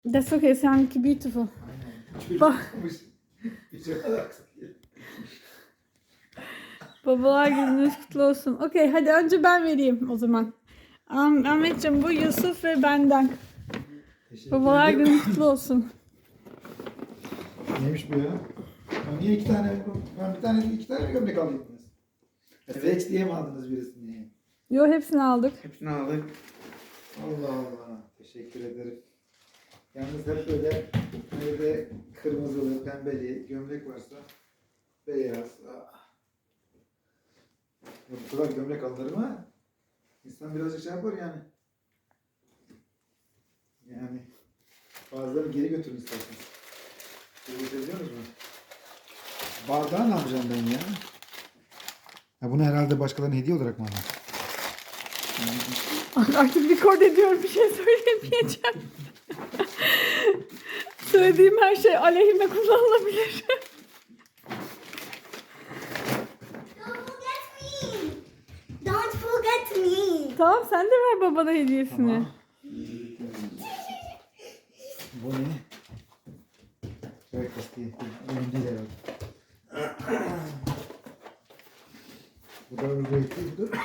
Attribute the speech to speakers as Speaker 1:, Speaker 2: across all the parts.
Speaker 1: That's okay, sounds beautiful.
Speaker 2: Aynen.
Speaker 1: Bak. Babalar gününüz kutlu olsun. Okey, hadi önce ben vereyim o zaman. Ahmetciğim, bu Yusuf ve benden. Babalar günün kutlu olsun.
Speaker 2: Neymiş bu ya? Ya niye iki tane, iki tane gömlek aldınız? Evet. Seç diye mi aldınız birisini?
Speaker 1: Yo, hepsini aldık.
Speaker 3: Hepsini aldık.
Speaker 2: Allah Allah. Teşekkür ederim. Yalnız hep böyle evde kırmızılı, pembeli gömlek varsa beyaz. Ya bu kadar gömlek alırım ha. İnsan birazcık şey yapar yani. Yani bazıları geri götürün isterseniz. Geri götürebiliyoruz mu? Bardağı ne yapacağım ben ya? Ya bunu herhalde başkalarına hediye olarak mı aldım?
Speaker 1: Artık record ediyorum, bir şey söyleyemeyeceğim. Söylediğim her şey aleyhime kullanılabilir.
Speaker 4: Don't forget me.
Speaker 1: Tamam, sen de ver babana hediyesini.
Speaker 2: Tamam. Bu ne? Breakfast değil. Benim değil herhalde. Bu da öbürüydü. Bu da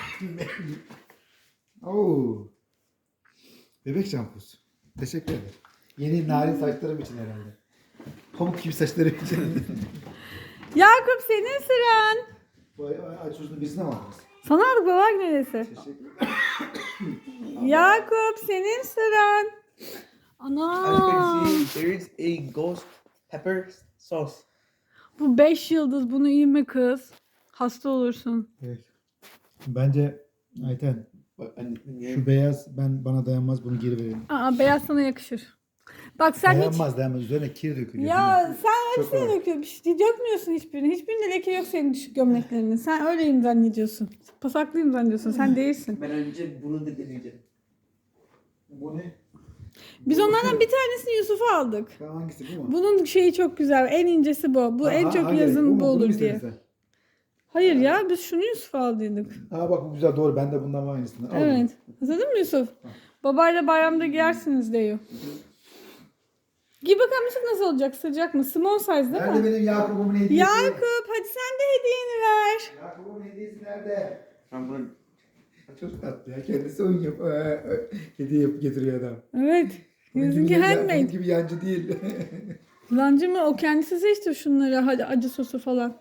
Speaker 2: Oo. Bebek şampusu. Teşekkür ederim. Yeni narin saçlarım için herhalde. Pamuk gibi saçlarım için.
Speaker 1: Yakup, senin sıran.
Speaker 2: Vay aç uzun birisine mi aldınız?
Speaker 1: Sana aldık babalar günü hediyesi.
Speaker 2: Teşekkür ederim.
Speaker 1: Yakup, senin sıran.
Speaker 3: As you
Speaker 1: Ana.
Speaker 3: can see, there is a ghost pepper sauce.
Speaker 1: Bu 5 yıldız, bunu yeme kız. Hasta olursun.
Speaker 2: Evet. Bence Ayten şu beyaz bana dayanmaz, bunu geri verelim.
Speaker 1: Aa, beyaz sana yakışır. Bak sen hiç...
Speaker 2: Dayanmaz üzerine kir dökülüyor.
Speaker 1: Ya sen
Speaker 2: Çok
Speaker 1: hepsini
Speaker 2: ağır.
Speaker 1: döküyorsun. Bir şey dökmüyorsun hiçbirini. Hiçbirinde leke yok senin düşük gömleklerinin. Sen öyleyim zannediyorsun. Pasaklıyım zannediyorsun. Sen değilsin.
Speaker 3: Ben önce bunu da deneyeceğim.
Speaker 2: Bu ne?
Speaker 1: Biz onlardan bir tanesini Yusuf'a aldık.
Speaker 2: Tamam, hangisi bu mu?
Speaker 1: Bunun şeyi çok güzel. En incesi bu. Bu en çok
Speaker 2: hangi renk?
Speaker 1: yazın
Speaker 2: mu?
Speaker 1: bu
Speaker 2: Bunu
Speaker 1: olur
Speaker 2: mu
Speaker 1: diye.
Speaker 2: istedin sen?
Speaker 1: Hayır ya, biz şunu Yusuf'a aldıydık.
Speaker 2: Aa bak, bu güzel, doğru. Ben de bundan var aynısını. Al
Speaker 1: Evet. Hatırladın mı Yusuf? Babayla bayramda giyersiniz diyor. Giy bakalım Yusuf, nasıl olacak? Sıcak mı? Small size
Speaker 2: bunu.
Speaker 1: değil
Speaker 2: Nerede
Speaker 1: mi?
Speaker 2: benim Yakup'umun hediyesi?
Speaker 1: Yakup, hadi sen de hediyeni ver.
Speaker 2: Yakup'un hediyesi nerede?
Speaker 3: Ben bunu
Speaker 2: Çok tatlı ya. Kendisi oyun yap. Hediye yapıp getiriyor adam.
Speaker 1: Evet.
Speaker 2: Bunun
Speaker 1: Yüzünki
Speaker 2: gibi,
Speaker 1: handmade.
Speaker 2: bunun gibi yancı değil.
Speaker 1: Lancı mı? O kendisi seçti şunları. Hadi, acı sosu falan.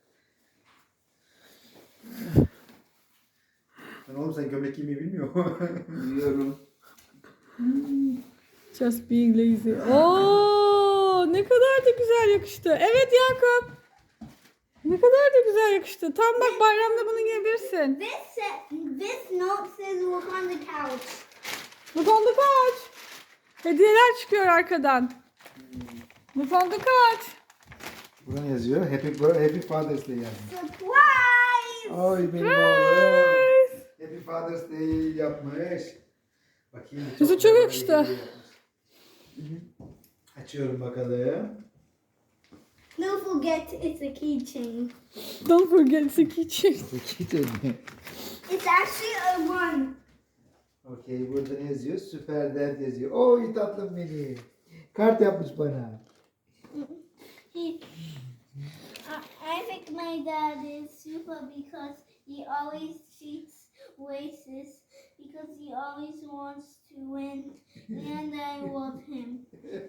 Speaker 2: Lan oğlum, sen gömlek giymeyi bilmiyor musun?
Speaker 3: biliyorum.
Speaker 1: Just being lazy. Oo, ne kadar da güzel yakıştı. Evet Yakup. Ne kadar da güzel yakıştı. Tam bak, bayramda bunu giyebilirsin.
Speaker 4: This note says look on the couch.
Speaker 1: Bu konuda kaç. Hediyeler çıkıyor arkadan. Bu konuda kaç.
Speaker 2: Burada ne yazıyor? Happy Father's Day yani.
Speaker 4: Surprise!
Speaker 2: Ay benim oğlum. Happy Father's Day yapmış. Bakayım.
Speaker 1: Yüzü çok yakıştı.
Speaker 2: hediye yapmış. Açıyorum bakalım.
Speaker 4: Don't forget it's a keychain.
Speaker 1: Don't forget it's a keychain.
Speaker 4: It's actually a one.
Speaker 2: Okey, burada ne yazıyor? Süper Dad yazıyor. Oy tatlım benim. Kart yapmış bana.
Speaker 4: I think my dad is super because he always cheats races because he always wants to win and I want him.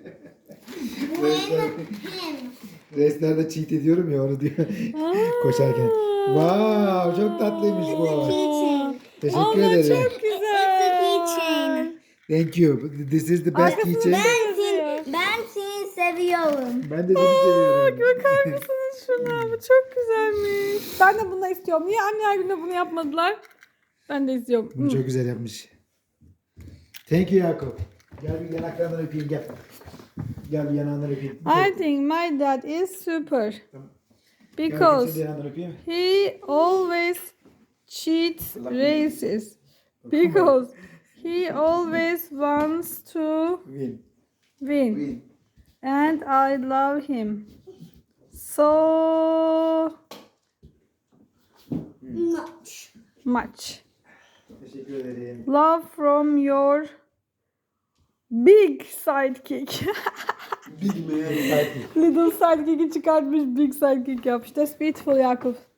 Speaker 4: Win him.
Speaker 2: Restlerde cheat ediyorum ya, onu diyor koşarken. Wow, çok tatlıymış
Speaker 4: It's a
Speaker 2: bu.
Speaker 4: keychain.
Speaker 2: Teşekkür
Speaker 1: Ama
Speaker 2: ederim.
Speaker 1: çok
Speaker 4: It's
Speaker 1: güzel.
Speaker 4: a keychain.
Speaker 2: Thank you. This is the best
Speaker 1: Arkasında
Speaker 2: keychain.
Speaker 4: Ben seni seviyorum.
Speaker 2: Ben de seni seviyorum.
Speaker 1: Bakar mısınız şuna? Bu çok güzelmiş. Ben de bunu istiyorum. Niye anneler günde bunu yapmadılar? Ben de istiyorum.
Speaker 2: Bunu çok güzel yapmış. Thank you Yakup. Gel bir yanaklarından öpeyim, gel. Gel bir yanağından öpeyim.
Speaker 1: I think my dad is super.
Speaker 2: Tamam. Gel bakayım,
Speaker 1: Because
Speaker 2: seni de yanağından öpeyim.
Speaker 1: he always cheats races. Because he always wants to
Speaker 2: Win.
Speaker 1: win.
Speaker 2: Win.
Speaker 1: And I love him. So
Speaker 4: Much.
Speaker 1: much.
Speaker 2: Teşekkür ederim.
Speaker 1: Love from your Big sidekick.
Speaker 3: Big man.
Speaker 1: Little sidekick'i çıkartmış, big sidekick yapmış. That's beautiful Yakup.